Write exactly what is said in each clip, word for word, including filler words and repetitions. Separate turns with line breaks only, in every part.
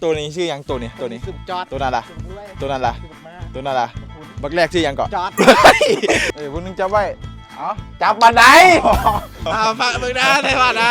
ตัวนี้ชื่อยังตัวนี้ตัวนี้
สุดจอด
ตัวนั้นล่ะตัวนั้นล่ะ
สุดมา
ตัวนั้นล่ะบักแรกชื่อยังก่อน
จอด
เอ้ยพวกนึงจับไว้อ๋อจับบันได
อ่าฟังมึงนะได้ป่ะนะ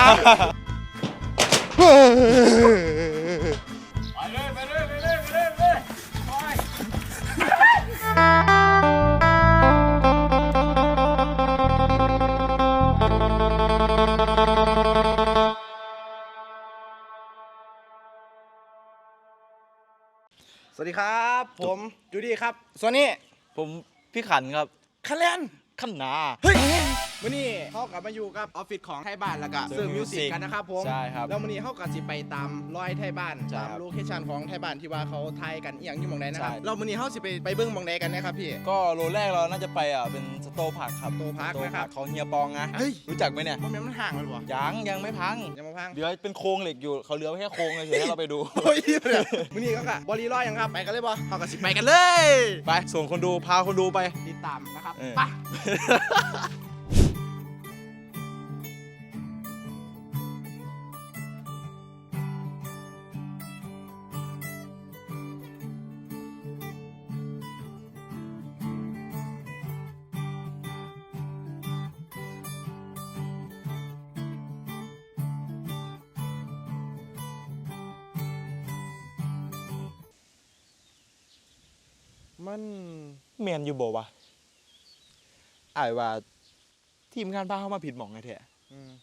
สวัสดีครับผมจูดี้ครับส่วนนี้
ผมพี่ขันครับ
คะแนน
ขันนา
เฮ้ยวันนี้เขากลับมาอยู่กับออฟฟิศของไทยบ้านแล้วก็
เซิ
เซิ
ร์
ร์
ฟ
ฟมิวสิก
Music
กันนะครับผม
ใช่ครับ
แล้ววันนี้เขาก็สิไปตามรอยไทยบ้าน
ใช่
ตาม
ครับ
โลเคชั่นของไทยบ้านที่ว่าเขาไทยกันอหย่างอยู่หมองใดนะครับ
ใช่
เราวันนี้เขาสิไปไปเบิ้งหมองใดกันนะครับพี่
ก็โลแรกเราน่าจะไปอ่ะเป็นสโตผักครับ
สโตผักนะครับ
ของเฮียปองนะ
เฮ้ย
รู้จักไหมเนี่ย
มันแม่นมันห่างกันวะ
ยังยังไม่พัง
ยังมาพัง
เหลือเป็นโครงเหล็กอยู่เขาเหลือไว้แค่โครงเลยเฉยให้เราไปดู
โอ้ยวันนี้ก็กะบอลลีรอยยังครับไปกันเลยบ่เขาก็สิไปกันเลย
ไปส่งคนดูพาคนดูไป
ติดตามนะครับ
เออ
ไปมัน
เมียนอยู่บ่วะอ้ายว่าทีมงานพาเข้ามาผิดหม่องไงแท้
อืม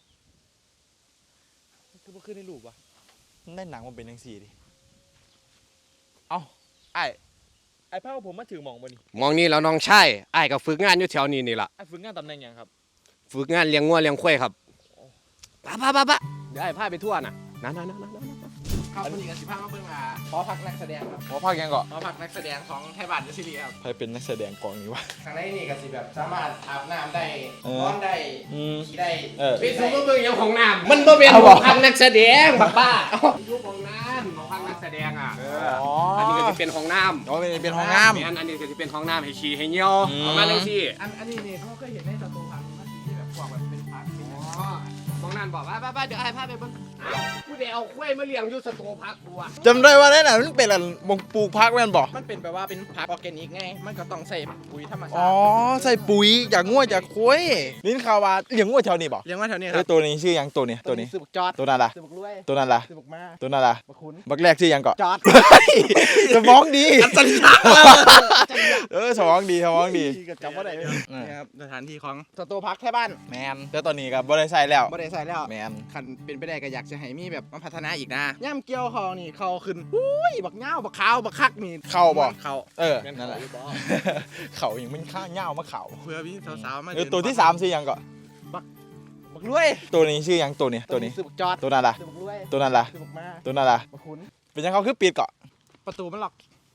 คือบ่ขึ้นในรูปวะ
ได้หนังมันเป็นจังซี่ดิเอ้าอ้ายไอ้พาผมมาถือหม่องบ่นี่
มองนี่แล้วน้องชายอ้ายก็ฝึกงานอยู่แถวนี้นี่ล่ะ
ไอ้ฝึกงานตำแหน่งหยังครับ
ฝึกงานเลี้ยงงัวเลี้ยงควายครับปะปะปะปะเดี๋ยวอ้ายพาไปทั่วน่ะนั่นนั่นนั่นนั่นนั่น
ครับวันนี้ก็สิพามาเบิ่งอ่าหอพักนักแสดงครับ
หอพักยังก่อน
หอพักนักแสดงของไทยบ้านซีรีส์ครับ
ใครเป็นนักแสดงกองนี้วะ
ข้างในนี่ก็สิแบบสามารถอาบน้ำได้
เออ
นอนได้
อืม
ขี่ได้
เออ
ไปสู่ก็เบิ่งอย่างของน้ำมันบ่เป็นของพักนักแสดงบักบ้าอยู่ของน้ำของพักนักแสดงอ่ะ
อ๋อ
อันนี้ก็จะเป็นของน้
อ๋อเป็นเป็นห้องน้
ำอันอันนี้ก็จะเป็นของน้ำให้ขี้ให้เหี่ยว
อืม
ประมาณนั้นสิ
อันอันนี้นี่เขาเคยเห็นในสตูพักมันสิที่แบบพวกแบบเป็นพักเป็น
อ๋อมองนั่นบอกว่าป้าเดี๋ยวอ้ายพาไปเบิ่งผู้ใดเอาควายมาเลี้ยงอยู่สตูพักบัว
ำจำได้ว่านั่นน่ะมันเป็นอะไรมงปลูกพักแม่นบ่
มันเป็นแบบว่าเป็นผักออร์แกนิกไงมันก็ต้องใส่ปุ๋ยธรรมชา
อ๋อ
ติ
ใส่ปุ๋ยจากงัวจากควายลิ้นข่าวว่าเลี้ยงงัวแถวนี้บ่
เลี้ยงไว้แถวนี้ค
เอ้
รั
ย
บ
ตัวนี้ชื่อยังตัวนี้ตัวนี้
สืบกจอด
ตัวนั้นล่ะ
สืบกรวย
ตัวนั้นล่ะ
สืบกมา
ตัวนั้นล่ะ
บักขุน
บักแรกชื่อยังก่อน
จอด
สมองดี
จันทร์
เออสมองดีสมองดี
ก็จำว่าได้เลย
เออ
นี่ครับสถานที่ของสตูพักแท้บ้าน
แมนแต่ตอนนี้ก็บ่ได้ใส่แล้ว
บ่ได้ใส่แล้ว
แมน
คันเป็นไปได้ก็อยากจะให้มีแบบมาพัฒนาอีกนะย่ำเกี่ยวเขานี่เขาขึ้นอุ้ยบักเงาบักขาวบักคักนี่
เข้าบ่
เขา
เออนั่นแหละเขาอย่างมันข้างเง่ามาเขา
เพื่อพี่สาวๆมา
เออตัวที่สามชื่อยังก่อน
บักรวย
ตัวนี้ชื่อยังตัวนี้ตัวนี้
สืบกจอด
ตัวนั้นล่ะ
สืบกรวย
ตัวนั้นล่ะ
สืบกมา
ตัวนั้นล่ะ
บักขุน
เป็นยังเขาคือปิดเกาะ
ประตูมันล็อก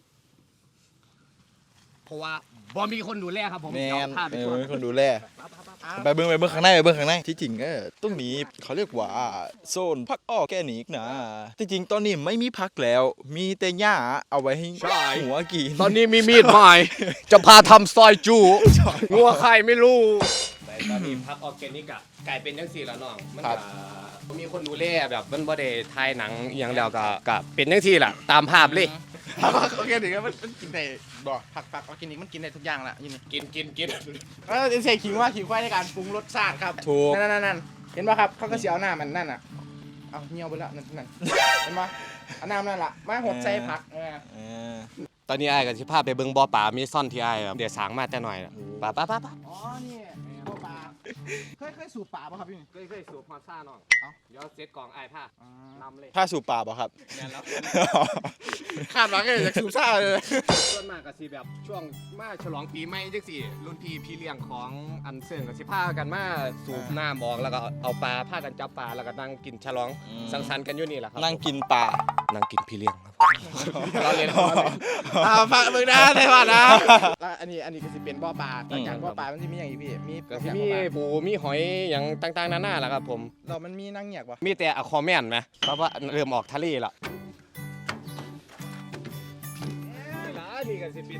เพราะว่าบ่มีคนดูแลครับผม
แม
เดี๋ยวน พาไป
เอ
ทั่ว
อมีคนดูแลไปเบิ้งไปเบิ้งข้างในไปเบิ้งข้างในที่จริงก็ตรงนี้เขาเรียกว่าโซนพักออร์แกนิกนะที่จริงตอนนี้ไม่มีพักแล้ว มีแต่หญ้าเอาไว้ให้หัวกิน
ตอนนี้มีมีดใหม่ จะพาทำซอยจูงัวใครไม่รู้แต่ตอนนี้พักออร์แกนิกอะกลายเป็นจังซี่แล้วน้องมันก็มีคนดูแลแบบมันบ่ได้ถ่ายหนังอหย่างแล้วก็ก็เป็นจังซี่ล่ะตามภาพเลย
ผักออร์แกนิกมันมันกินได้บ่ผักผักออร์แกนิกมันกินได้ทุกอย่างละยี่นี่
กินกินกิน
เออใส่ขิงว่าขิงควายในการปรุงรสชาติครับ
ถูก
นั่นนั่นนั่นเห็นป่ะครับเขาก็เสียเอาหน้ามันนั่นอ่ะเอาเหี่ยวไปแล้วนั่นนั่นเห็นป่ะเอาน้ำนั่นล่ะมาหดใส่ผักเออ
เออ
ตอนนี้อ้ายก็สิพาไปเบิ่งบ่อปลามีซ่อนที่อ้ายแบบเดี๋ยวสร้างมาแต่หน่อยป่าป่าป่าป่า
อ๋อนี่พวกปลาเคยเคยสูบปลาป่ะครับพี่
เคยเคยสูบฮอดซ่าน้อง
เอ้า
เดี๋ยวเซตกองอ้ายพา
อ๋อ
นำเลย
ผ้าสูบป่าบ่ครับ
แม่นแล้ว
คาดหวังเลยจากสูบซ่าเลย
ส่วนมากก็สิแบบช่วงมาฉลองปีใหม่จังซี่รุ่นพี่พี่เลี้ยงของอันเซิงก็สิพากันมาสูบน้ำออกแล้วก็เอาปลาพากันจับปลาแล้วก็นั่งกินฉลอง
อืม
สังสรรค์กันอยู่นี่แหละครับ
นั่งกินป่า
นั่งกินพี่เลี้ยงครับเราเล่นเราเล่น
อ่าฟังมึงนะได้ป่ะนะแล้วอันนี้อันนี้ก็สิเป็นบ่อปลาหลังจากบ่อปลามันจะมีอย่างอีกพี่มี
ก็สิมีปูมีหอยอย่างต่างๆนานาแหละครับผม
เรามันมีนั่งเหยียกป่ะ
มีแต่อะคอแมนไหมเพราะว่าเริ่มออกทะเลละนี่ละนี่ก็สิเป็นมอง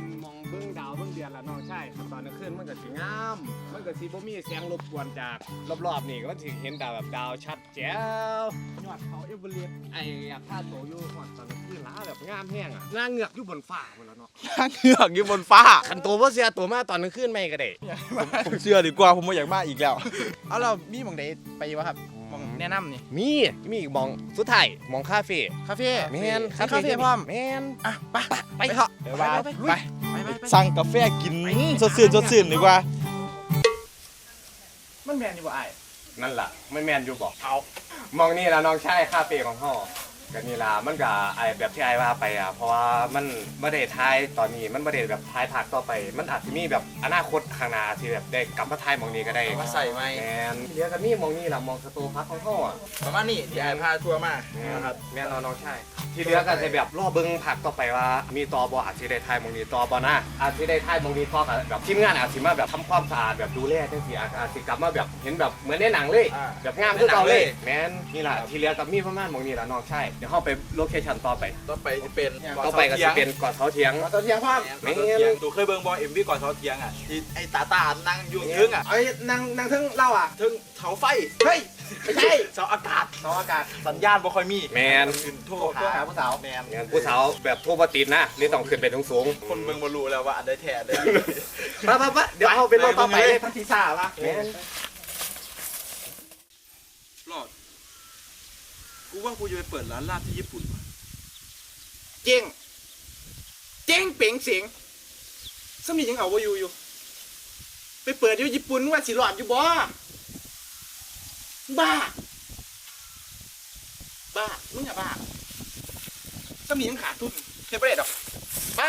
เบิ่งดาวเบิ่งเดือนละน้องใช่ตอนกลางคืนมันก็สิงามมันก็สิบ่มีเสียงรบกวนจากรอบๆนี่ก็สิเห็นดาวแบบดาวชัดแจ๋วยอดเขาเอเวอเรสต์ไอ้อยากพาโตอยู่ฮอดตอนกลางคืนล้าแบบงามแห้งอ่ะนางเงือกอยู่บนฟ้าหมดแล้วเนาะ
เหงือกอยู่บนฟ้า
คันโตบ่เสียตัวมาตอนกลางคืนไม่ก็ได้
ผมเชื่อดีกว่าผมไม่อยากมาอีกแล้ว
เอาเรามีหมองใดไปวะครับหมองแนะนำนี่
มีมีอีกหมองสุดท้ายหมองคาเฟ่
คาเฟ่
แม่น
คาเฟ่พร้อม
แม่น
อ่ะไปไป
ไป
เถอะ
เดี๋ยวว่า
ไป
ไป
ไปไป
สั่งกาแฟกินสดชื่นสดชื่นดีกว่า
มันแมนอยู่บ่ไอ้
นั่นล่ะไม่แม่นอยู่บอกเอามองนี่ละน้องชายคาเฟ่ของห่อกันนี่ล่ะมันก็ไอแบบที่ไอว่าไปอ่ะเพราะว่ามันไม่ได้ทายตอนนี้มันไม่ได้แบบทายภาคต่อไป มันอาจจะมีแบบอนาคตข้างหน้าที่แบบได้กลับมาทายมองนี้ก็ได้
มาใส่ไหม
แมนเดี๋ยวกันนี่มองนี่ล่ะมองสตูพักของห่ออ่ะ
ประมาณนี้ที่ไอ้พาทัวร์มา
แม่น
นะครับ
แม่นเอาน้องชายที่เหลือก็จะแบบรอเบิ้งผักต่อไปว่ามีตอบออาจจะได้ทายมองนี้ตอบอนะอาจจะได้ทายมองนี้ต่อกับแบบทีมงานอาจจะมาแบบทำความสะอาดแบบดูแลจังซี่อาจอาจจะกลับมาแบบเห็นแบบเหมือนในหนังเลย
อ่า
แบบงามคือเก่าเลยแม่นนี่แหละที่เหลือกับมีประมาณหมองนี้ละน้องใช่เดี๋ยวเข้าไปโลเคชั่นต่อไป
ต่อไปจะเป็น
ต่อไปก็จะเป็นเกาะเสาเทียง
มาตัวเทียงพร้อม
ไม่เทียงตูเคยเบิ่งบอลเอ็มวีก่อนเท้าเทียงอ่ะที่ไอ้ตาตานั่งอยู่ทึ่งอ่ะ
ไอ้นางนางทึ่งเล่าอ่ะ
ทึ่งเสาไฟ
เฮ้ยไม่ใช่
เสาอากาศ
เสาอากาศ
สัญญาณบ่ค่อยมี
แมน
ขึ้นโทร
ตัวหา
หา
ผู้สาว
แมน
งานผู้สาวแบบทั่วปติดนะนี่ต้องขึ้นไปสูงสูง
คนเบิ่งบ่รู้แล้วว่าอันใดแท้อันใด
ๆปะปะปะเดี๋ยวเข้าไปโลกต่อไปเลย
พันธิซ่าปะ
แม่น
รอดกูว่ากูจะไปเปิดร้านลาบที่ญี่ปุ่นว่ะ
เจ๊งเจ๊งเป๋งเสียงสมียังเอาว่าอยู่อยู่ ไปเปิดอยู่ญี่ปุ่นว่าสิหลอดอยู่บ่บ้า บ้า มึงอะบ้าสมียังขาดทุนเฮ็ดบ่ได้ดอก บ้า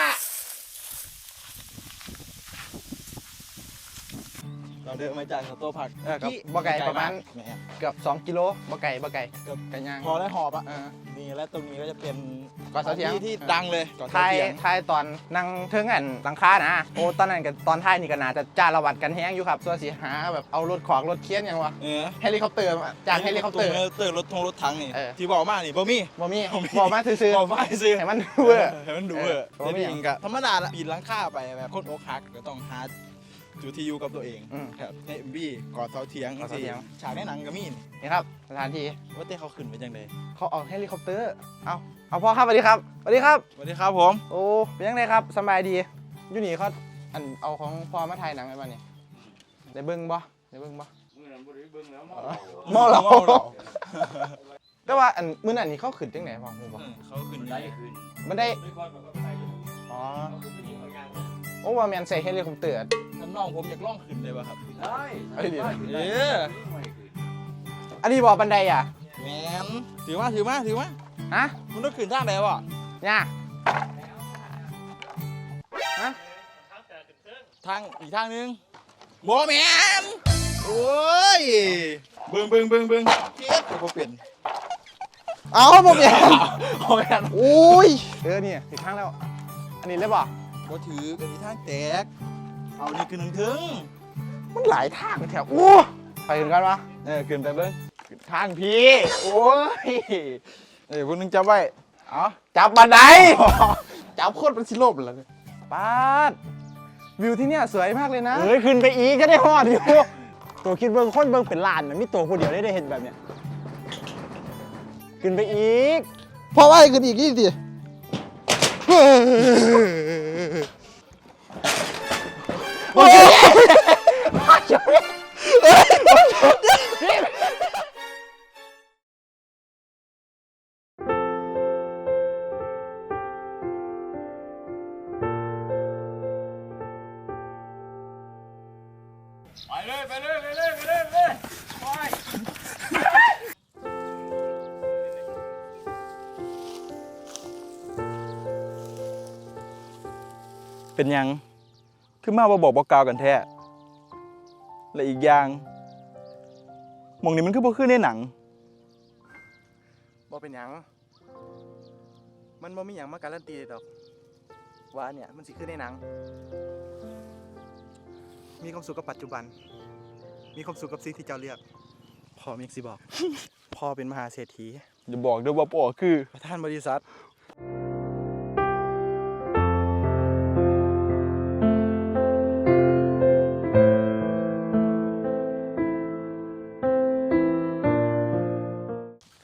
เราเดินมาจากสโตร์ผัก
เออครับบ่ไกลประมาณ
แหม
เกือบสองกิโลบ่ไก่บ่ไก่
เกือบ
ไก่ย่าง
พอได้หอบอ่ะ
เออ
นี่และตรงนี้ก็จะเป็น
ก่อนเสาเถียง
ที่ที่ดังเลยก่อน
ทา
เสาย เถียง
ทายตอนนั่งเทิงอันหลังคานะโอ้ตอนนั้นกับตอนท้ายนี่ก็น่าจะจ้าละวัดกันแฮงอยู่ครับส่วนสิหาแบบเอารถขวางรถเคียนหยังวะ
เออ
เฮลิคอปเตอร์มาจากเฮลิคอปเตอร์
เฮลิคอปเตอร์รถทงรถถังนี่
เออ
ที่บอกมานี่บ่มี
บ่มี
บ่มี
บอกมาซื่อ
บอกมาซื้อ
ๆให้มันเวอร์
ให้มันดูเวอร์
เออบ่มี
แต่จริงๆก็ธรรมดาละปีนหลังคาไปแบบคนอกหักก็ต้องหาจุดที่อยู่กับตัวเอง
อืม
ครับในเอ็มบีกอดเสาเถียง
กอดเสาเถียง
ฉากในหนังก็มีนี่
นี่ครับสถานที่
ว่าเต้เขาขึ้นไปจังได
เขาเอาเฮลิคอปเตอร์เอาเอาพ่อครับสวัสดีครับสวัสดีครับ
สวัสดีครับผม
โอ้เป็นยังไงครับสบายดีอยู่นี่เขาอันเอาของพ่อมาถ่ายหนังไว้บ้านี่ได้เบิ่งบ่ได้เบิ่งบ่เมาเหล้า
เมาเหล้า
แต่ว่าอันมื้อนั้นนี่เขาขึ้นจังไหนพ่อรู้บ่
อืมเขาขึ้นได้ขึ้น
มันได้อ๋อโอ้ว่าแม่นใส่เฮลิคอปเตอร์
น้ำน้องผมอยากล่องขึ้นเลยป่ะครับ
ได้
เอ้ยเดี๋ยว
เออ
อันนี้บ่บันไดอ่ะ
แมนถือมาถือมาถือมา
ฮะ
มันต้องขึ้นทางไหนวะ
เนี่ยฮะ
ทางอีกทางหนึงโบแมนโอ้ยเบิ่งเบิ่งเบิ่งเบิ่งเจ็บก็เปลี่ยน
เอาบ่เปลี่ยน
เอาแมน
โอ้ยเออนี่ถึงข้างแล้ว อันนี้เลยบ่
บ่ถือกันที่ทางแตกเอานี่ขึ้นถึง
มันหลายทางแถวโอ้ไปถึงกันวะ
เออขึ้นไปเบิ่ง
ทางพี่โอ้ย
เอ้ยพวกนึงจับไว้เอา
จับบันไดจับโคตรเป็นสิโลบเลยป้าดวิวที่เนี่ยสวยมากเลยนะเฮ้ยขึ้นไปอีกก็ได้ฮอดอยู่ตัวคิดเบิ่งคนเบิ่งเป็นล้านนะมีตัวคนเดียวได้ได้เห็นแบบเนี้ยขึ้นไปอีกพอว่าขึ้นอีกนี่ดิโอเค
ไปเลยไปเลยไปเลยไปเลยไปเลยเป็นยังคือมาบ่บอกบอกกล่าวกันแท้และอีกอย่างหมองนี้มันคือบ่คือในหนัง
บ่เป็นหยังมันบ่มีหยังมาการันตีดอกว่าเนี่ยมันสิขึ้นในหนังมีความสุขกับปัจจุบันมีความสุขกับสิ่งที่เจ้าเลือกพ่อมีสิบอก พ่อเป็นมหาเศรษฐี
อย่าบอกด้วยว่าพ่อคือ
ประธานบริษัท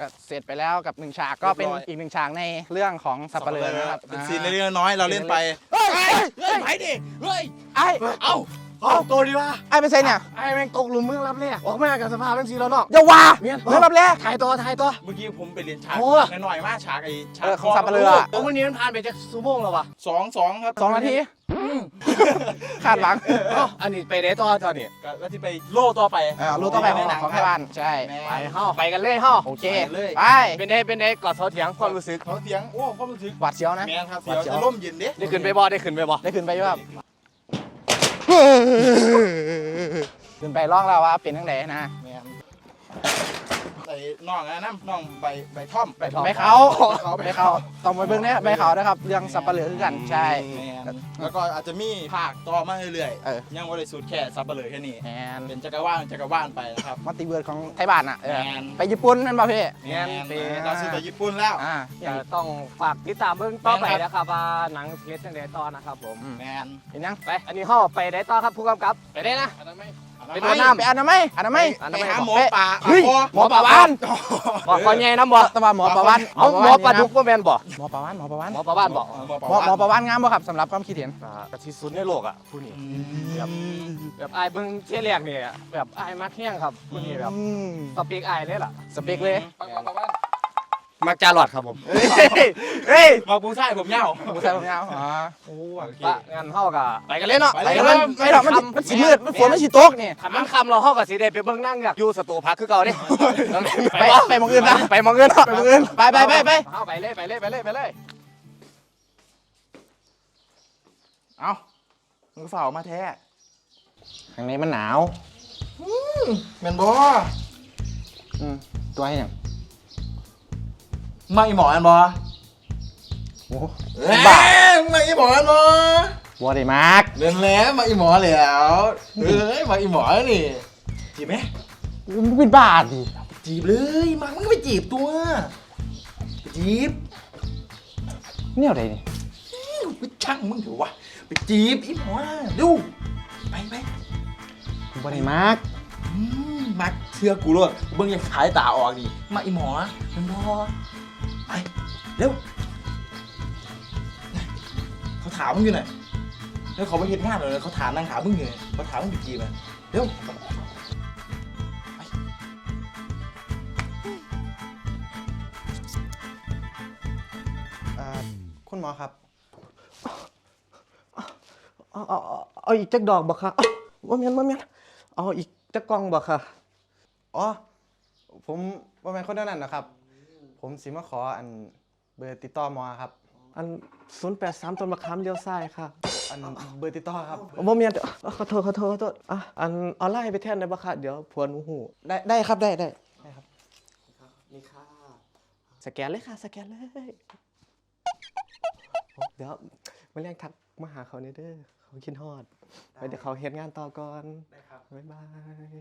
ก็เสร็จไปแล้วกับหนึ่งฉากก็เป็นอีกหนึ่งฉากในเรื่องของสับปะเลอนะครับ
เป็นซีนเล็กๆน้อยๆเราเล่นไป
เฮ้ย
เฮ้ยไปดิเฮ้ย
ไอ้
เอ้าเอาตัวดีวะ
ไอ้เป็นไงเนี่ย
ไอ้แม่งตกหลุมเมืองรับแรกออกมากับสภาพทั้งสีแล้วเนาะ
อย่าว่า
เมียน
เรื่องรับแรก
ถ่ายตัวถ่ายตัว
เมื่อกี้ผมไปเรียนฉาก
โอ้
หน่อยๆมากฉากไอ้ฉาก
เออของสับปะเลอ
โอ้วันนี้มันผ่านไปจะชั่วโมงแล้ววะ
สองสองครับ
สองนาทีคาดหวัง
เอ้าอันนี้ไปได้ต่อตอนนี้
ก็แล้วที่ไปโล่ต่อไป
อ่ารู้ต่อไปของของไทยบ้านใช่
แม่
ไปเฮาไปกันเลยเฮา
โอเค
ไปเลย
ไป
เป็นได้เป็นได้กอดเสาเถียงความรู้สึก
เขาเสียงโอ้ความรู้สึก
หวัดเสียวนะ
แมนครับเสียวจะร่มเย็นเด้
ได้ขึ้นไปบ่ได้ขึ้นไปบ่
ได้ขึ้นไปอยู่ครับขึ้นไปร้องแล้วว่าเป็นทั้งไหนนะ
แมนใส่น่องนะน้ำน่องใบใบท่อม
ไปทอง
ใบเขาใบเขาต้องไปเบิ่งเนี่ยใบเขานะครับเรื่องสับปะเหลือคือกันใช่
แมนแล้วก็อาจจะมีภาคต่อมาเรื่อย
เออ
ๆยังบริสุทธิ์แค่ซับเปลือแค่นี้
แมน
เป็นจักรวาลจักรวาลไปนะครับ
มัลติเวิร์ดของไทยบ้านอ่ะเออ
แมน
ไปญี่ปุ่นแม่นป่ะพี่
แมนเราซื้อไปญี่ปุ่นแล้ว
อ่า
จะต้องฝากติดตามเบิ่งต่อไป
แม่นครับ
นะครับว่าหนังเฮ็ดจังได๋ต่อนะครับผม
แมน
เห็นยัง
ไปอันนี้เฮาไปได้ต่อครับผู้กำกับไปได้นะ
ไปโดนน้ำไปอนามัยอนามัย
ไปหาหมอป่า
เฮ้ยหมอปลาวาน
บอกก่อนใหญ่น้ำบ่
ตะวันหมอปลาวาน
เอาหมอปลาดุกบ่แม่นบ่
หมอปลาวานหมอปลาวาน
หมอปลาบ้านบ่
หมอหมอปลาวานงามบ่ครับสำหรับความคิดเห็น
กะที่สุดในโลกอ่ะผู้นี้แบบแบบอายเบิ่งเที่ยแรกนี่อะแบบอายมักแห้งครับผู้นี้แบบ
อืม
สเปกอายเลยล่ะ
สเปกเลย
มักจาหลอดครับผม
เฮ้ย
มาปูใช่ผมเหย้า
ผู้ชายผมยาวอ๋อ
โอ้โอเค
ปะงั้นเฮาก็ไปกันเลยเนาะ
ไปเลย
มันไม่หรอกมันมันสีมืดมันฝนมันสีตกนี่
ถ้ามันค่ำเราเฮาก็สิได้ไปเบิ่งนั่งอยู่สตูพักคือเก่าเด้
ไปไปมองอื่นนะ
ไปมองเงิน
ไปมองอื่นไปไปไปไป
เฮาไปเลยไปเลยไปเลยไปเลย
เอ้ามึงฝ่ามาแท้
ข้างในมันหนาว
แมนบอ
อืมตัวให้ยัง
มาอีหมอแมนบอ
โอ้
บ้ามาอีหมอแมนบอ
บัวได้มาก
เดินแล้วมาอีหมอแล้วเฮ้ยมาอีหมอแล้วนี่จีบไหม
มันเป็นบาทดิ
จีบเลยมามึงก็ไปจีบตัวไปจีบ
เนี่ยอะไรนี่
ไปช่างมึงเถอะวะไปจีบอีหมอดูไปไป
บัวได้มาก
อืมมาเชื่อกูเลยเบิ้งยังขายตาออกดิมาอีหมอแมนบอไปเร็วเขาถามมึงอยู่ไหนแล้วเขาไปเห็นงานเลยเขาถามนางถามมึงอยู่ไหนเขาถามมึงไปจีบมันเร็ว
อ่าคุณหมอครับเอาเอาเอาเอาอีกจักดอกบ่ค่ะว่าแม่นว่าแม่นเอาอีกจักกล่องบ่ค่ะอ๋อผมว่าแม่นคนนั้นนะครับ ผมสิมาขออันเบอร์ติดต่อหมอครับ
อันศูนย์แปดสามต้นมะขามเลี้ยวซ้ายค่ะ
อันเบอร์ติดต่อครับ
บ่มีอันเดียวอ่ะขอโทษขอโทษขอโทษอ่ะอันออนไลน์ไปแทนได้ปะคะเดี๋ยวผัวหนูหู
ได้ได้ครับได้ได้ได้ครับ
นี่ค่ะ สแกนเลยค่ะ สแกนเลยโอ้เดี๋ยวมาเรียกทักมาหาเขาเนี่ยเด้อเขาคิดฮอดไปเดี๋ยวเขาเฮ็ดงานต่อก่อนได้ครับบ๊ายบาย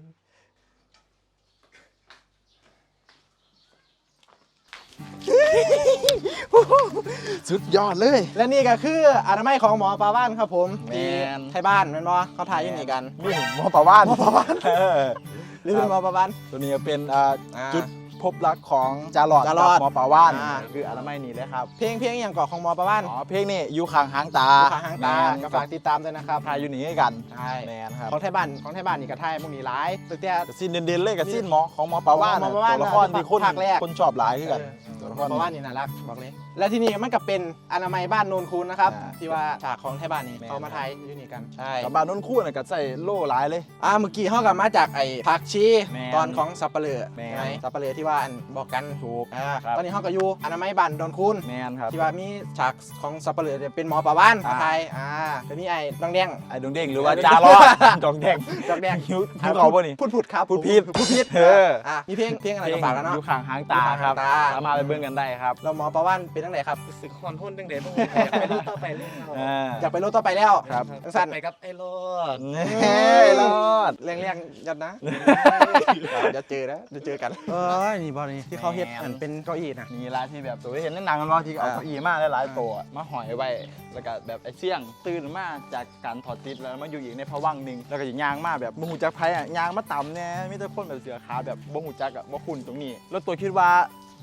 สุดยอดเลย และนี่ก็คืออนามัยของหมอปลาบ้านครับผม
แมน
ที่ไทยบ้านแม่นบ่เขาถ่ายอยู่นี่กัน
นี่หมอป่าว่าน
หมอปลาบ้าน
เออ
หรือเป็นหมอปลาบ้าน
ตัวนี้เป็นอ่า
อ่า
จุดพบรักของจาหลอด
จาหลอด
กับหมอป่าว่าน
อ่า
คืออนามัยนี่เลยครับ
เพลงเพลงอย่างเกาะของหมอปลาบ้าน
อ๋อเพลงนี่อยู่ข้างหางตา
ลูกค้าหางตา
แมน
ก็ฝากติดตามด้วยนะครับ
ทายอยู่นี่กัน
ใช่
แมนครับ
ของไทยบ้านของไทยบ้านนี่ก็ถ่ายพวกนี้หลายตัวเตี้ย
กับซีนเด่นๆเลยกับซีนหมอของหมอป่าว่าน
หมอป่าว่าน
ตัวละครที่คน
ภาคแรก
คนชอบหลายคือกัน
เออ
ตัวละ
ห
ค
มอ
ร
ปลาบ้านนี่น่ารักบอกเลย และที่นี่มันก็เป็นอนามัยบ้านโนนคูนนะครับ
อ่า
ที่ว่าฉากของไทยบ้านนี่
แม่น
เขามาถ่ายอยู่นี่กันใช่
กับบ้านนุ่นคู่น่ะก็ใส่โล่หลายเลย
อ่าเมื่อกี้เขากับมาจากไอ้ผักชี
แม่น
ตอนของสับปะเลอ
แม่น
ใช่ไหมสับปะเลอที่ว่าอันบอกกันถูกอ่า
ครับ
ตอนนี้เขาก็อยู่อนามัยบ้านโนนคูน
แมนครับ
ที่ว่ามีฉากของสับปะเลอเนี่ยเป็นหมอปลาบ้าน
อ่า
ไทยอ่าจะมีไอ้ดองแดง
ไอ้ดวงเด้งหรือว่าจาหลอดดองแดง
ดองแดง
หิวหิวเขาป่ะนี่
พูดพูดครับ
พูดผิด
พูดผิด
เออ
อ่ะมีเพลงเพลงอะไรก็ฝากกันเนาะ
อยู่ข้างหางตาครับ
อยู่ข้างหางตา
สามารถไปเบิ่งกันได้ครับ
เราหมอปลาบ้านเป็นตั้งไหนครับ
รู้สึกคอนโทนจังได๋บ่อยากไปดูต่อไปเลย
อ่า
อยากไปรถต่อไปแล้ว
ครับ
สั้น
ไปกับไอ้รอด
เฮ้ยรอด
เรียงเรียงๆยัดนะเดี๋ยวเจอนะเดี๋ยวเจอกันเออนี่บอลนี่ที่เขาเฮ็ดอันเป็นเก้าอี้นะ
มีร้านที่แบบตัวที่เห็นในหนังกันว่าที่เอา
อ่า
เก้าอี้มาหลายๆตัวมาหอยไว้แล้วก็แบบไอ้เสี่ยงตื่นมาจากการถอดติดแล้วมาอยู่อีกในภวังค์หนึ่งแล้วก็จะยางมาแบบบ่หูจักไผอ่ะยางมาต่ำแน่มีแต่คนแบบเสือขาวแบบบ่หูจักอ่ะบ่คุ้นตรงนี้ แล้วตัวคิดว่า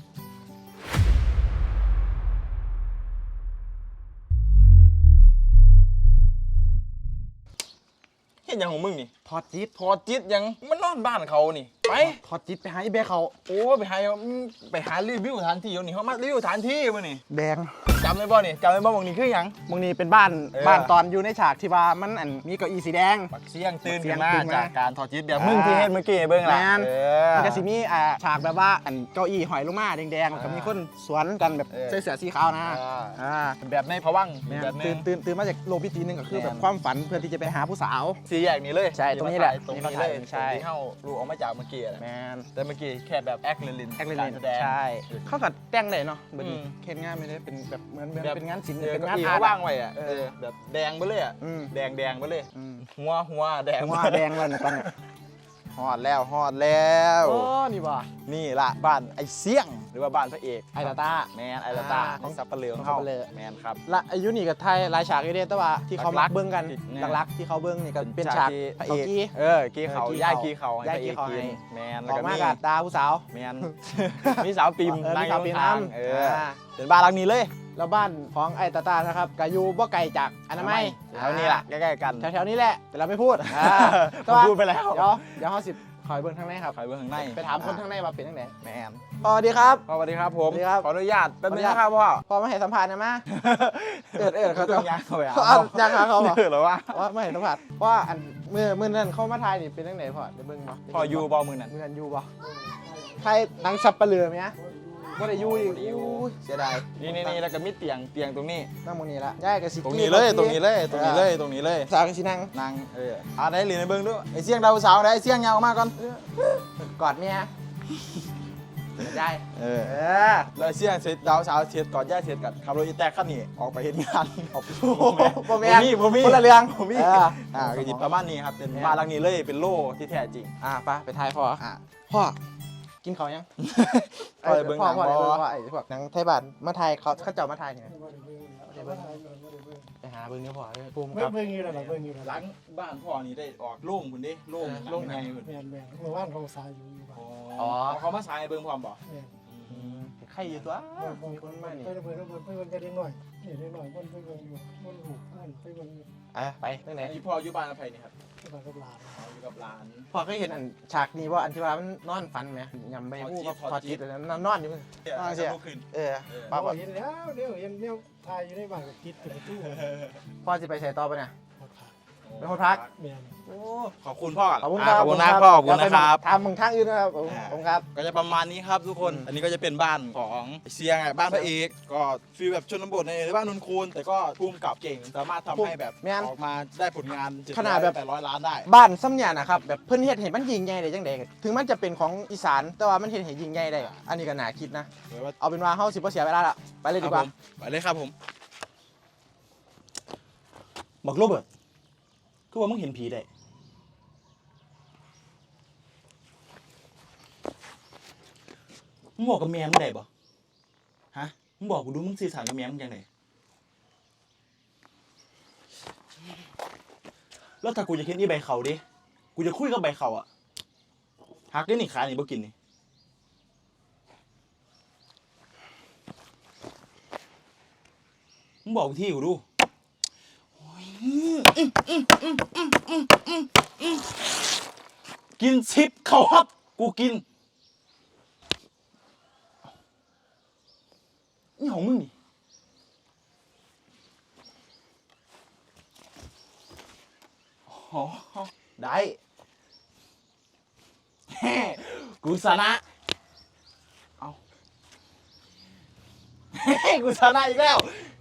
เห็นอย่างของมึงนี่
ถอดจิต
ถอดจิตยังมันนอนบ้านเขานี่ไป
ถอดจิตไปหาไอ้แบกเขา
โอ้ไปหาอืมไปหารีวิวสถานที่อยู่นี่เขามารีวิวสถานที่มานี่
แดง
จำได้บ่นี่จำได้บ่บางนี่คือหยัง
มึงนี่เป็นบ้าน
เออ
บ้านตอนอยู่ในฉากที่ว่ามันอันมีเก้าอี้สีแดง
ปักเสียงตื่น
ปักเสีย
ขึ้
ง
นมา
ตื่นมา
จากการถอดจิตแบบ
อ่ามึ
มึงที่เห็นเมื่อกี้เบิ่งล่ะ
แม่น
เออ
มันก็สิมีอ่าฉากแบบว่าอันเก้าอี้หอยลงมาแดงๆแล้วก็มีคนสวนกันแบบ
เออ
ใส่เสื้อสีขาวนะ
อ่า
อ่า
แบบในพวังค์
แม่น
แบบนึ
ตื่
ง
นตื่นตื่นมาจากโลกพิธีหนึงก็คือ
แม่น
แบบความฝันเพื่อที่จะไปหาผู้สาว
สี่แยกนี้เลย
ใช่ตรงนี้แหละ
ตรง
นี่
นี้
เขา
เล
ถ่าย
ย
ใช่
ที่เฮารู้ออกมาจากเมื่อกี้แหละ
แมน
แต่เมื่อกี้แค่แบบแอคเลลิน
แอคเล
กา
น
รแสดง
ใช่เขากัดแต่งได้เนาะแบบนี้
อืม
เคนงานไม่ได้เป็นแบบเหมือนเหมือน
แบบ
เป็นงานศิลป์
เออ
เป็น
เก้า
งาน
อี้
อาร์
เขา
ต
ว่างไว้อะ
เออ
เออแบบแดงไปเลยอะ
อืม
แดงแดงไปเลย
อืม
หัวหัวแดง
หัวแดงเลยนะตอนเนี้ย
ฮอดแล้วฮอดแล้ว
โอ้นี่บ่
นี่ล่ะบ้านไอ้เสี่ยงหรือว่าบ้านพระเอก
ไอตาตา
แมนไอลาตา
อ่า
ของซับปะเหลือง
ของ
เขา
สับปะเหลือ
แมนครับ
ละอายุนี่กับไทยหลายฉากอยู่เด้แต่ว่าที่เขา
หลั
มั
ก
ก
ๆ
เบิ้งกัน
เนี่ย
หลักๆที่เขาเบิ้งนี่ก็เป็นฉาก
ที่
พระเอก
กี้เออกี้เขา
เออกี้
ย่าย
เขา
กี้เขา
ย่ายกี้เขา
ให้พระ
ให้
อกกินแมน
อ
แล้ว
อก
ก็
มา
มี
กับตาผู้สาว
แมน มีสาวปิม
เออมี
นั่ง
สาวปิม
ข้าง
น้ำ
ๆเออ
อ่า
เป็นบ้านหลังนี้เลย
แล้วบ้านของไอตาตานะครับก็อยู่บ่ไกลจากอนามัย
แถวนี้ล่ะใกล้ๆกัน
แถวๆนี้แหละแต่เราไม่พูด
เขาพูดไปแล้ว
เดี๋ยวเดี๋ยวเขาสิคอยเบิ้งทางในครับ
ใครเบื้องข้างใน
ไปถามคนทางในว่าเป็นยังไง
แมน
สวัสดีครับ
สวัสดีครับผม
สวัสดีครับ
ขออนุญาตแป๊บนึง
ขออนุญาต
นะครับพ่อ
พอมาให้สัมภาษณ์นะมาเอิดเอิดเขา
ต้
จะ
องยางเขาไป
เขาเอายางหาเขาเหรอ
เออเหรอวะ
ว่าไม่เห็นสัมผัสว่าอันเมื่อเมื่อนั้นเข้ามาไทยนี่เป็นยังไงพ่อได้เบิ่งบ่
พ่ออยู่บอมือนั่น
เมื่อนั้นอยู่บ่ไทยหนังสับปะเหลือไหมฮะบ่ได้อยู่อีกอู้ยเสียดาย
นี่นี่นี่แล้วก็มีเตียงเตียงตรงนี้
นั่งตรงนี้ละย้ายกับสิ
ตรงนี้เลย ตรงนี้เลย ตรงนี้เลย ตรงนี้เลย
สาวกันสินั่ง
นางเอออ่าได้เหรียญในเบิ้งด้วยไอ้เสี่ยงดาวสาวได้ไอ้เสี่ยงยาวมากก่อน
กอดเมียได้
เออ
เออ
แล้วไอ้เสี่ยงเสร็จดาวสาวเสร็จก่อนย่าเสร็จกันขับรถอีแตกขั้นนี้ออกไปเห็นงานออก
โอ้โหบ่แม่น
บ่มี
คนละเรื่อง
บ่มี
เออ
อ่าก็หยิบประมาณนี้ครับเป็นบ้านหลังนี้เลยเป็นโล่ที่แท้จริง
อ่ะไปไปทายพ่อ
อ่า
พ่อกินเขาวยัง
พ่อไปเบิ่งหนัง
พ่อ
บ่
พ่อพ่อไอ้พวกหนังไทยบ้านมาไทยเขาเขาเจ้ามาไทยเนี่ยไปหาเบิ่งเนื้อพ่อเลยภูมิ
เบิ่
ครั
ง
บ
เบิ่งอยู่แล้วล่ะเบิ่งอยู่แล้ว
หลังบ้านพ่อนี่ได้ออกโล่งคุณดิโล่งโล่งไงคุณ
แม่นแม่นเมื่อวานเขาสายอยู่อยู่บ้าน
อ๋อเขามาสายเบิ่งพร้อมบ่
แม่น
ใครอยู่ตัว
มีคนมานี่ไปเบิ่งเบิ่งไปเบิ่งกันเด็กหน่อยนี่เด็กหน่อยมันไปเบิ่งอยู่มันหูมันไปเบิ่งอยู่
อ่ะไปเรื่องไหน
ไอ้พ่ออยู่บ้านกับใครนี่ครับ
ที่บ้านกับหลาน
อ๋ออยู่กับหลาน
พ่อเคยเห็นอันฉากนี้ว่าอันที่ว่ามันนอนฝันไหมยำใบหูกับพอจิตอันนั้นนอนอยู่นอนเสีย
ลุกขึ้น
เออ
เออ
ป้าบอก
เห็นแล้วเดี๋ยวเห็นเนี่ยทายอยู่ในบ้านกับคิดกับตู้
พ่อจะไปใส่ต่อปะเนี่ย
หมดขาด
เป็นคนพัก
แม่น
โอ้
ขอบคุณพ่อก่อน
ขอบคุณ
อ่า
ครับ
ขอบคุณนะพ่อขอบคุณนะครับ
ทำมึงทางอื่นนะครับผมผมครับ
ก็จะประมาณนี้ครับทุกคน อันนี้ก็จะเป็นบ้านของเซียงอ่ะบ้านพระเอกก็ฟีลแบบชนบทในบ้านนนคูนแต่ก็ภูมิกับเก่งสามารถทำให้แบบ
แม่น
ออกมาได้ผลงาน
ขนาดแบบ
แปดร้อยล้านได้
บ้านซ้ำเนี่ยนะครับแบบเพิ่นเฮ็ดเห็นมันยิงใหญ่ได้จังไดถึงมันจะเป็นของอีสานแต่ว่ามันเห็นเห็นยิงใหญ่ได้อันนี้ก็น่าคิดนะ
หรือว่า
เอาเป็นว่าเฮาสิบ่เสียเวลาละไปเลยดีกว่า
ครับผมไปเลยครับผม
บอกโรเบิร์ตคือว่ามึงเห็นผีได้มึงบอกกับแม่มึงได้บ่ฮะมึงบอกกูดูมึงสื่อสารกับแม่มึงยังไงแล้วถ้ากูจะเห็นอีใบเขาดิกูจะคุยกับใบเขาอะหักได้หนิขาหนิบ่กินนี่มึงบอกกูที่กูดูกินซิปเขาครับกูกินนี่ของมึงนี่อ๋อได้แฮ่กูชนะเอาเฮ้กูชนะอีกแล้ว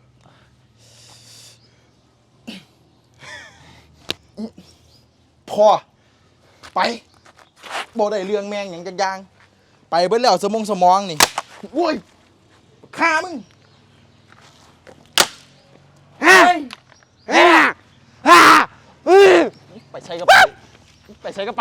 พอไปบ่ได้เรื่องแมงอย่างจักอย่างไปเบิดแล้วสมองสมองนี่โว้ยฆ่ามึงฮ่าฮ่าฮ่าไปใช้กับไปไปใช้กับไป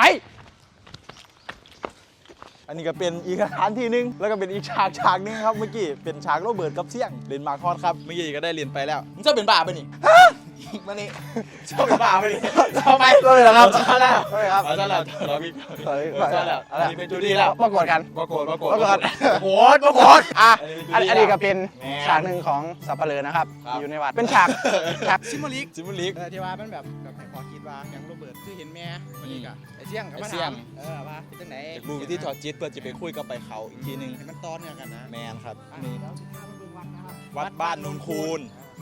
อันนี้ก็เป็นอีกสถานที่หนึงแล้วก็เป็นอีกฉากฉากหนึงครับเมื่อกี้เป็นฉากโรเบิร์ตกับเสี่ยงเรียนมาคอดครับเมื่อกี้ก็ได้เรียนไปแล้วมึงจะเป็นบ้าไปะนี่มานี่ชอบเป็นบ้าไปะนี่ทำไม
เลยเหรอครับ
เอาซะแล้ว
เลยครับ
เอาซะแล้วเราพี่
เฮ้ย
เอาซะแล้วอันนี้เป็นจูดี้แล้ว
ประกวดกัน
ปรากฏปรากฏ
ประกวด
โหดปรากฏ
อ่ะ
อั
อั
น
น
นี้
อันนี้ก็เป็น
แม่
ฉากหนึ่งของสัปเหร่อนะครับ
ครับ
อยู่ในวัดเป็นฉากฉากซิมโบลิก
ซิมบูลิก
ที่ว่ามันแบบแบบให้พอคิดว่าอย่างโรเบิร์ตคือเห็นแม่วันนี้ก็ไอ้เสี่ยงกับมา
ไอ้เสี่ย
ถาง มเออว่าเป็นจังไหน
อยากรู้วิธีถอดจิตเพื่อจะไปคุยกับไปเขาอีกทีหนึง
ให้มันต้อนกันนะ
แมนครับ
อ่ะ
นี่
เดี๋ยวสิพาไปเบิ่งวัดนะครับ
วัดบ้านนูนคูน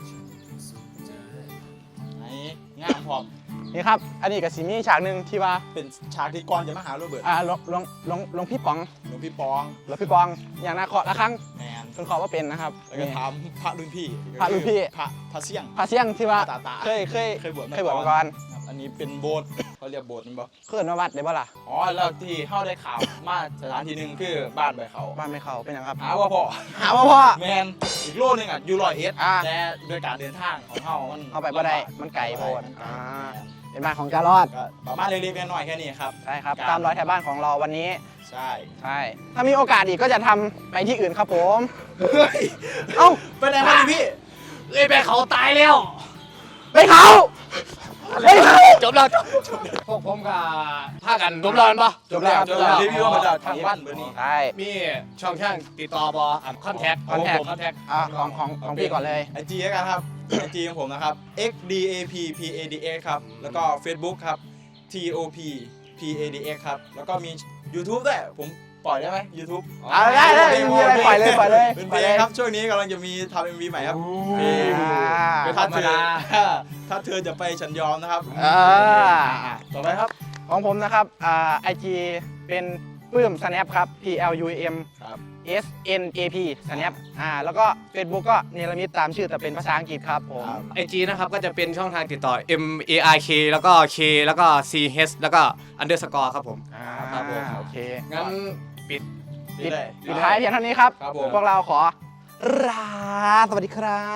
ไหนงามพร้อม
นี่ครับ อันนี้กับสีมีฉากหนึ่งที่ว่า
เป็นฉากที่ก่อนจะมาหาโรเบิร์ต
อ่าหลวงหลวงหลวงหลวงพี่ป๋อง
หลวงพี่ปอง
หลวงพี่ปองอย่างนาเคาะละครั้ง
แมน
เพิ่นขอว่าเป็นนะครับ
แล้วก็ถามพระรุ่นพี่
พระรุ่นพี่
พระพระเสี่ยง
พระเสี่ยงที่ว่า
ตาตา
เคยเคย
เคยบวช
เคยบวชมาก่อน
ครับอันนี้เป็นโบสถ์เขาเรียกโบสถ์นั่นปะ
เคยมาวัดได้บ่ล่ะ
อ๋อแล้วที่เข้าได้ข่าวมาสถานที่หนึ่งคือบ้านใบเขา
บ้านไม่เข้าเป็นหยังครับ
หาว่าพ่อ
หาว่าพ่อ
แมนอีกโลนึงอ่ะอยู่ร้อยเอ็ด
อ่า
แต่โดยการเดินทางของเขามัน
เข้าไปบ่ได้มันไกลโพด
อ่า
อ่า เป็นบ้านของจารอด
ก็ประมาณเล็กๆน้อยๆแค่นี้ครับ
ใช่ครับ
ครับ
ตามรอยแถวบ้านของเราวันนี้
ใช่
ใช่ ถ้ามีโอกาสอีกก็จะทำไปที่อื่นครับผม
เฮ้ย
เอ้า
ไปไหนมาดิพี่
เอ้ยไปเขาตายแล้ว
ไปเขาไปเขา
จบแล้วจบพวกผมกับพากันจบแล้วปะ
จบแล้วจบแล้วรีวิวมาจากทางบ้านเบอร์นี้
ใช่
มีช่องทางติดต่อบออ่ะคอนแทค
contact
คอนแทค
อ่าของของของพี่ก่อนเลย
ไอจีแล้วกันครับ ไอจีของผมนะครับ x d a p p a d x ครับ แล้วก็ Facebook ครับ t o p p a d x ครับ แล้วก็มี YouTube ด้วยผมปล่อยได้ไหม YouTube
อ่าได้ได้มีอะไรปล่อยเลยปล่อยเลย
เป็นเพลงครับ ช่วงนี้กำลังจะมีทำเอ็มวีใหม่ครับเพลง
อ่า
เป็นธร
ถ้าร
ม
เธอ
ดา
ถ้าเธอจะไปฉันยอมนะครับ
อ่า
ต่อไปครับ
ของผมนะครับอ่าไอจีเป็นปื้ม snap ครับ p l u m
ครับ
s n a p snap อ่าแล้วก็ Facebook ก็เนรมิตตามชื่อแต่เป็นภาษาอังกฤษครับผม
ครับ
ไอจีนะครับก็จะเป็นช่องทางติดต่อ M A I K แล้วก็ K แล้วก็ C H แล้วก็ underscore ครับผม
อ่า
ครับผม
โอเค
งั้นปิด
ปิด
ได้
ปิดท้ายเพียงเท่านี้ครับ
ครับผม
พวกเราขอลาสวัสดีครับ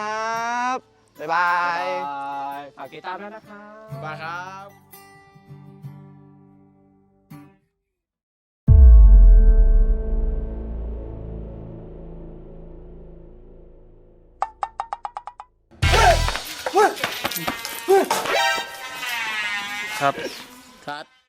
บ๊ายบาย
ฝากติดตามด้วยนะครับ
บายครับ
ครับ
คัด